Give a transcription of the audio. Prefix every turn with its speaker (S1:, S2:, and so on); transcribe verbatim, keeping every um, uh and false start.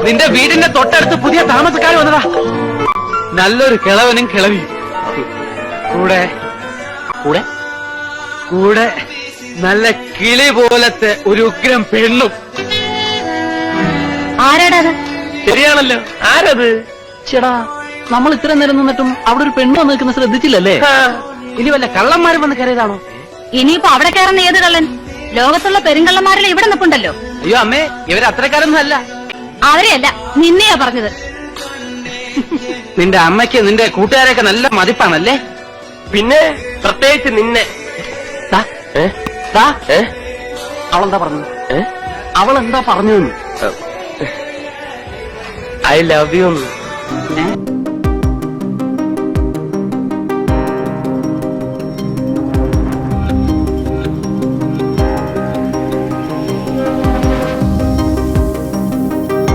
S1: നിന്റെ വീടിന്റെ തൊട്ടടുത്ത് പുതിയ താമസക്കാർ വന്നതാ. നല്ലൊരു കിളവനും കിളവിയും കൂടെ കൂടെ കൂടെ നല്ല കിളി പോലത്തെ ഒരു ഉഗ്രം പെണ്ണും.
S2: ആരാടാത്?
S1: ശരിയാണല്ലോ, ആരത്?
S3: ചേടാ, നമ്മൾ ഇത്ര നേരം നിന്നിട്ടും അവിടെ ഒരു പെണ്ണ് വന്ന് നിൽക്കുന്ന ശ്രദ്ധിച്ചില്ലല്ലേ?
S1: ഇനി വല്ല കള്ളന്മാരും വന്ന് കയറിയതാണോ?
S2: ഇനിയിപ്പോ അവിടെ കയറുന്ന ഏത് കള്ളൻ? ലോകത്തുള്ള പെരുങ്കള്ളന്മാരിൽ ഇവിടെ നിൽപ്പുണ്ടല്ലോ.
S1: അയ്യോ അമ്മേ, ഇവര് അത്രക്കാരൊന്നും അല്ല.
S2: അവരെയല്ല, നിന്നെയാ പറഞ്ഞത്.
S1: നിന്റെ അമ്മയ്ക്ക് നിന്റെ കൂട്ടുകാരൊക്കെ നല്ല മതിപ്പാണല്ലേ?
S4: പിന്നെ പ്രത്യേകിച്ച് നിന്നെ.
S1: അവളെന്താ പറഞ്ഞു? അവളെന്താ പറഞ്ഞു?
S4: I love U.